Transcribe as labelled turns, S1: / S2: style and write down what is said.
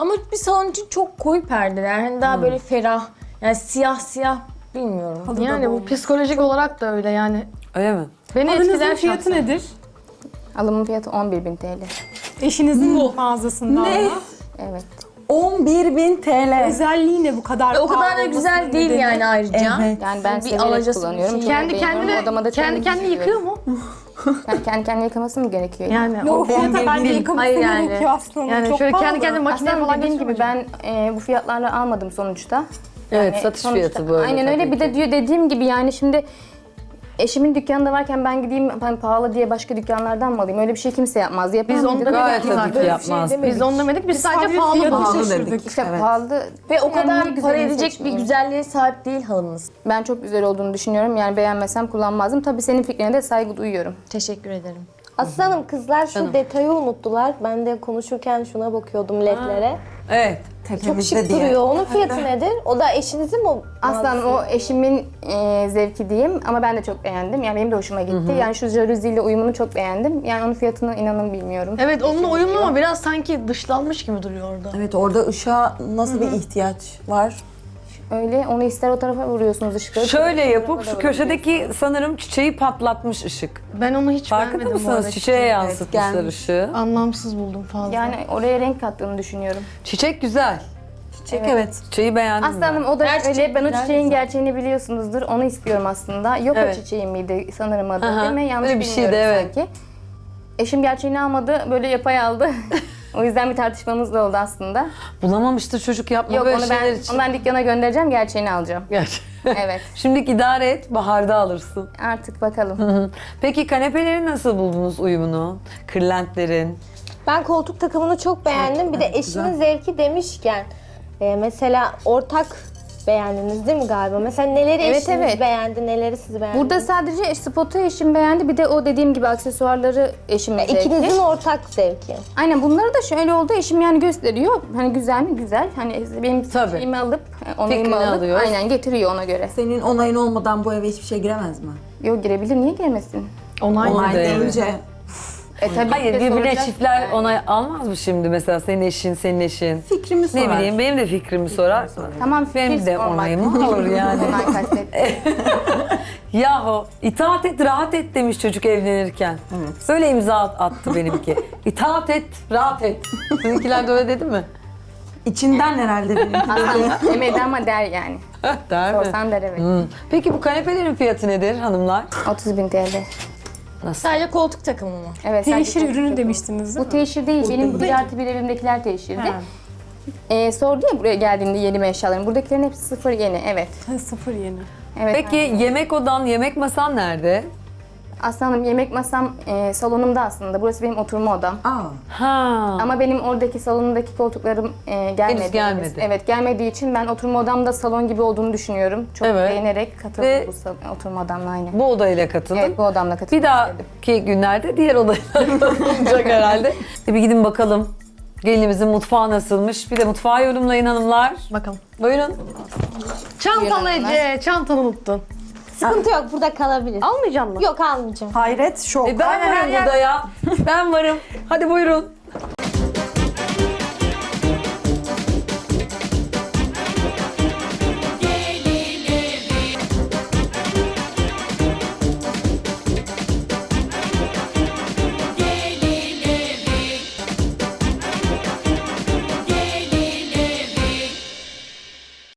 S1: Ama bir salon için çok koyu perdeler. Hani daha böyle ferah. Yani siyah siyah bilmiyorum.
S2: Yani bu psikolojik olarak da öyle yani.
S3: Öyle mi?
S2: Beni
S4: Halınızın
S2: etkiler
S4: fiyatı
S2: şahsen.
S4: nedir?
S5: Alımın fiyatı 11.000 TL.
S4: Eşinizin mağazasında
S6: Ne?
S4: ama.
S5: Evet.
S6: 11.000 TL.
S4: Özelliği ne bu kadar
S1: O kadar da
S4: pahalı
S1: güzel
S4: olmasının
S1: değil
S4: nedeni?
S1: yani ayrıca.
S6: Evet.
S5: Yani ben
S1: Bir
S5: severek
S1: alacası bir
S5: kullanıyorum.
S1: şey.
S5: Çok
S2: Kendi
S5: beğeniyorum.
S2: kendine,
S5: Odama da
S2: kendi kendine yıkıyor mu?
S5: Yani kendi kendine yıkaması mı gerekiyor?
S2: Yani
S4: O fiyata bence yıkaması
S1: Hayır yani.
S4: gerekiyor aslında.
S2: Yani
S4: Çok
S2: şöyle
S4: pahalı.
S2: kendi kendine makineye
S5: Aslında
S2: falan
S5: dediğim gibi
S2: götürmüyor.
S5: ben bu fiyatlarla almadım sonuçta.
S3: Evet,
S5: Yani
S3: satış
S5: sonuçta-
S3: fiyatı böyle.
S5: Aynen öyle.
S3: tabii
S5: Bir de
S3: ki.
S5: diyor dediğim gibi yani şimdi eşimin dükkanında varken ben gideyim hani pahalı diye başka dükkanlardan mı alayım? Öyle bir şey kimse yapmaz. Yapan
S2: Biz onu
S5: biri
S2: da
S5: de
S3: Gayet
S5: yapmaz.
S3: tabii ki yapmaz.
S2: Biz onu demedik, biz sadece
S4: sadece
S2: pahalı
S4: fiyatı
S2: bulduk.
S6: şaşırdık.
S5: İşte
S6: Evet.
S5: pahalı.
S1: Ve o
S5: Yani
S1: kadar
S5: niye
S1: para
S5: güzelini
S1: edecek bir
S5: seçmeyeyim?
S1: güzelliğe sahip değil halımız.
S5: Ben çok güzel olduğunu düşünüyorum. Yani beğenmesem kullanmazdım. Tabii senin fikrine de saygı duyuyorum.
S1: Teşekkür ederim.
S7: Aslanım kızlar şu
S3: Canım.
S7: detayı unuttular. Ben de konuşurken şuna bakıyordum ledlere.
S3: Evet.
S7: Çok
S6: Tepemizde
S7: şık
S6: diye.
S7: duruyor. Onun fiyatı nedir? O da eşinizin mi?
S5: Aslanım o eşimin zevki diyeyim ama ben de çok beğendim. Yani benim de hoşuma gitti. Yani şu jaluziyle uyumunu çok beğendim. Yani onun fiyatını inanın bilmiyorum.
S2: Evet, onunla uyumlu ama biraz sanki dışlanmış gibi duruyor orada.
S6: Evet, orada ışığa nasıl bir ihtiyaç var?
S5: Öyle onu ister o tarafa vuruyorsunuz ışıkları.
S3: Şöyle
S5: ister o
S3: yapıp
S5: tarafa
S3: şu
S5: da
S3: köşedeki sanırım çiçeği patlatmış ışık.
S2: Ben onu hiç
S3: Farkında
S2: beğenmedim bu
S3: mısınız?
S2: arada.
S3: Çiçeğe yansıtmışlar
S6: gelmiş.
S3: ışığı.
S2: Anlamsız buldum fazla.
S5: Yani oraya renk kattığını düşünüyorum.
S3: Çiçek güzel.
S6: Çiçek evet.
S3: Çiçeği beğendim
S5: Aslanım o da
S1: Her
S5: öyle.
S1: çiçek
S5: Ben o
S1: güzel
S5: çiçeğin
S1: zaten.
S5: gerçeğini biliyorsunuzdur. Onu istiyorum aslında. Yok
S3: Evet.
S5: o çiçeğin miydi sanırım adı
S3: Aha,
S5: değil mi? Yanlış
S3: öyle bir şeydi,
S5: bilmiyorum
S3: evet.
S5: sanki. Eşim gerçeğini almadı. Böyle yapay aldı. O yüzden bir tartışmamız da oldu aslında.
S3: ben. Bulamamıştır çocuk yapma
S5: Yok
S3: böyle
S5: onu
S3: şeyler
S5: ben,
S3: için.
S5: onu ben dükkana göndereceğim. Gerçeğini alacağım.
S3: Gerçi.
S5: Evet.
S3: Şimdilik idare et, baharda alırsın.
S5: Artık bakalım.
S3: Peki kanepeleri nasıl buldunuz uyumunu? Kırlentlerin?
S7: Ben koltuk takımını çok beğendim. Bir de eşimin zevki demişken mesela ortak beğendiniz değil mi galiba? Mesela neleri
S5: Evet,
S7: eşiniz
S5: evet.
S7: beğendi, neleri siz beğendiniz?
S5: Burada sadece spotu eşim beğendi. Bir de o dediğim gibi aksesuarları eşimin zevki.
S7: İkinizin ortak zevki.
S5: Aynen bunları da şöyle oldu. Eşim yani gösteriyor. Hani güzel mi? Güzel. Hani benim
S3: Tabii.
S5: şeyimi alıp,
S3: Fikrini
S5: onayımı alıp
S3: alıyor.
S5: aynen getiriyor ona göre.
S6: Senin onayın olmadan bu eve hiçbir şey giremez mi?
S5: Yok girebilir. Niye girmesin?
S2: Onay.
S6: Onay
S3: değil.
S6: deyince
S5: Tabii
S3: Hayır,
S5: ki de
S3: birbirine
S5: soracak.
S3: çiftler
S5: Yani.
S3: onay almaz mı şimdi mesela senin eşin, senin eşin?
S6: fikrimi sorar.
S3: Ne bileyim benim de fikrimi sorar.
S5: Tamam,
S3: Benim
S5: fikir
S3: de
S5: sormak.
S3: onayımı alır yani.
S5: Onay kastetti.
S3: Yahu itaat et, rahat et demiş çocuk evlenirken.
S6: Evet.
S3: Böyle imza attı benimki. İtaat et, rahat et. Sizinkiler de öyle dedi mi?
S6: İçinden herhalde benim.
S5: Aslında demedi ama der yani.
S3: Der mi?
S5: Sorsan der evet.
S3: Peki bu kanepelerin fiyatı nedir hanımlar?
S5: 30.000 TL.
S3: Nasıl?
S1: Sadece koltuk takımı mı?
S5: Evet.
S4: Teşhir
S5: sadece
S4: ürünü
S5: çok-
S4: demiştiniz değil
S5: Bu
S4: mi?
S5: teşhir değil. Benim
S6: değil.
S5: 1+1 evimdekiler teşhirdi.
S4: Ha.
S5: Sordu ya buraya geldiğinde yeni mi eşyalarım. Buradakilerin hepsi sıfır yeni. Evet.
S4: Ha, sıfır yeni.
S5: Evet.
S3: Peki yemek odan, yemek masan nerede?
S5: Aslanım yemek masam salonumda aslında. Burası benim oturma odam.
S6: Aa,
S3: Ha.
S5: Ama benim oradaki salonumdaki koltuklarım gelmedi.
S3: Henüz gelmedi.
S5: Evet gelmediği için ben oturma odamda salon gibi olduğunu düşünüyorum. Çok
S3: Evet.
S5: beğenerek katıldım
S3: Ve
S5: bu oturma odamla aynı.
S3: Bu odayla katıldın.
S5: Evet bu odamla katıldım.
S3: Bir dahaki günlerde diğer odaya katılacak herhalde. Bir gidin bakalım. Gelinimizin mutfağı nasılmış? Bir de mutfağı yorumlayın hanımlar.
S2: Bakalım.
S3: Buyurun.
S2: Çantalı Ece, çantanı unuttun.
S7: Sıkıntı yok, burada kalabilir.
S2: Almayacak mısın?
S7: Yok almayacağım.
S6: hayret, şok.
S3: Ben varım burada ya. Ben varım. Hadi buyurun.